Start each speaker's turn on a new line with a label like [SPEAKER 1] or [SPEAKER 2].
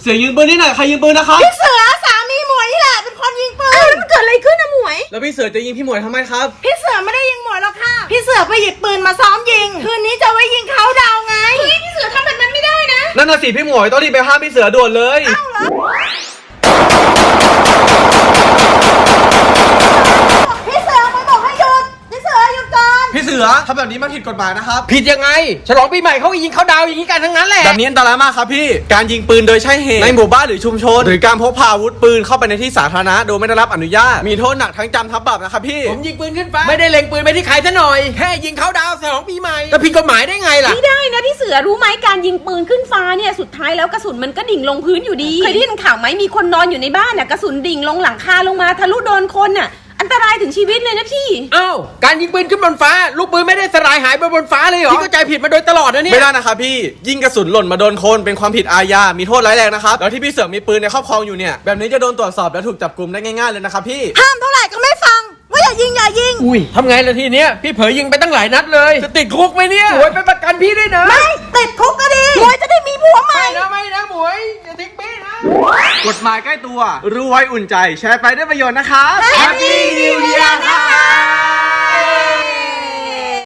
[SPEAKER 1] สือยิงปืนที่ไหนใครยิงปืนนะครับ
[SPEAKER 2] พี่เสือสามีหมวยนี่แหละเป็นคนยิงปืนมันเกิดอะไรขึ้นนะหมวย
[SPEAKER 1] แล้วพี่เสือจะยิงพี่หมวยทำไมครับ
[SPEAKER 2] พี่เสือไม่ได้ยิงหมวยหรอกค่ะพี่เสือไปหยิบปืนมาซ้อมยิงคืนนี้จะไว้ยิงเขาดาวไงพี่เสือทำแบบนั้นไม่ได้นะ
[SPEAKER 1] นั่นน่ะสิพี่หมวยต้องรีบไปห้ามพี่เสือด่วนเลย
[SPEAKER 2] เอ้าเหรอพี่เสือมาบอกให้หยุดพี่เสือหยุดก่อน
[SPEAKER 1] พี่เสือทำแบบนี้มันผิดกฎหมายนะครับ
[SPEAKER 3] ผิดยังไงฉลองปีใหม่เขายิงเขาดาวอย่างนี้กันทั้งนั้นแหละ
[SPEAKER 1] แบบนี้อันตรายมากครับพี่การยิงปืนโดยใช้เหตุในหมู่บ้านหรือชุมชนหรือการพกพาอาวุธปืนเข้าไปในที่สาธารณะโดยไม่ได้รับอนุญาตมีโทษหนักทั้งจำทั้งปรับนะครับพี่
[SPEAKER 3] ผมยิงปืนขึ้นฟ้าไม่ได้เล็งปืนไปที่ใครซะหน่อยแค่ยิงเขาดาวฉลองปีใหม่จะผิดกฎหมายได้ไงล่ะ
[SPEAKER 4] ไม่ได้นะพี่เสือรู้ไหมการยิงปืนขึ้นฟ้าเนี่ยสุดท้ายแล้วกระสุนมันก็ดิ่งลงพื้นอยู่ดีเคยได้ยินข่าวไหมมีคนนอนอยู่ในบ้านน่ะกระสุนดิ่งลงหลังคาลงมาทะลุโดนคนน่ะอันตรายถึงชีวิตเลยนะพี่
[SPEAKER 3] อ้าวการยิงปืนขึ้นบนฟ้าลูกปืนไม่ได้สลายหายไปบนฟ้าเลยเหรอพี่เข้าใจผิดมาโดยตลอดนะเนี่ย
[SPEAKER 1] ไม่ได้นะครับพี่ยิงกระสุนหล่นมาโดนคนเป็นความผิดอาญามีโทษร้ายแรงนะครับแล้วที่พี่เสือมีปืนในครอบครองอยู่เนี่ยแบบนี้จะโดนตรวจสอบและถูกจับกุมได้ง่ายๆเลยนะครับพี่
[SPEAKER 2] ห้ามเท่าไหร่ก็ไม่ฟังว่าอย่ายิง
[SPEAKER 3] อุ้ยทำไงล่ะทีเนี้ยพี่เผยยิงไปตั้งหลายนัดเลยจะติดคุกไหมเนี่ยหมวยไปประกันพี่ด้วยนะ
[SPEAKER 2] ไม่ติดคุกก็ดีหมวยจะได้มีผัวใหม่
[SPEAKER 3] ไม่นะหมวยอย่าทิ้งพี่นะ
[SPEAKER 1] กฎหมายใกล้ตัวรู้ไว้อุ่นใจแชร์ไปได้ประโยชน์นะครับ
[SPEAKER 2] Happy New Year ค่ะ